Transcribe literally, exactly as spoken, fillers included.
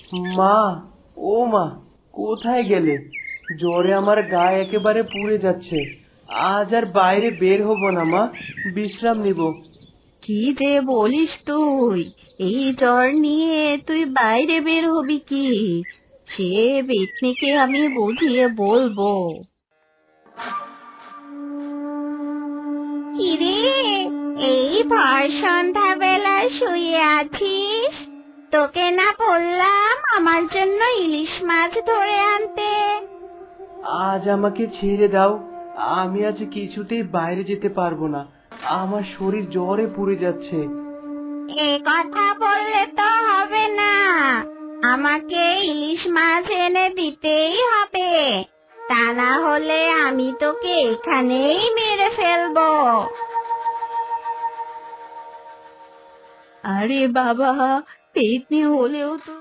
মা, ও মা, কোথায় গেলে? জ্বরে আমার গায়ে একেবারে পুড়ে যাচ্ছে। আজ আর বাইরে বের হব না মা, বিশ্রাম নিব। কি যে বলিস তুই? এই জ্বর নিয়ে তুই বাইরে বের হবি কি? সে পেতনিকে আমি বুঝিয়ে বলবো। কিরে, এই ভর সন্ধ্যা বেলা শুয়ে আছিস? তোকে না বললাম আমার জন্য ইলিশ মাছ ধরে আনতে? আজ আমাকে ছেড়ে দাও। আমি আজ কিছুতেই বাইরে যেতে পারবো না। আমার শরীর জ্বরে পুড়ে যাচ্ছে। এ কথা বললে তো হবে না, আমাকে ইলিশ মাছ এনে দিতেই হবে, তা না হলে আমি তোকে এখানেই মেরে ফেলবো। আরে বাবা, পেতনি হলেও তো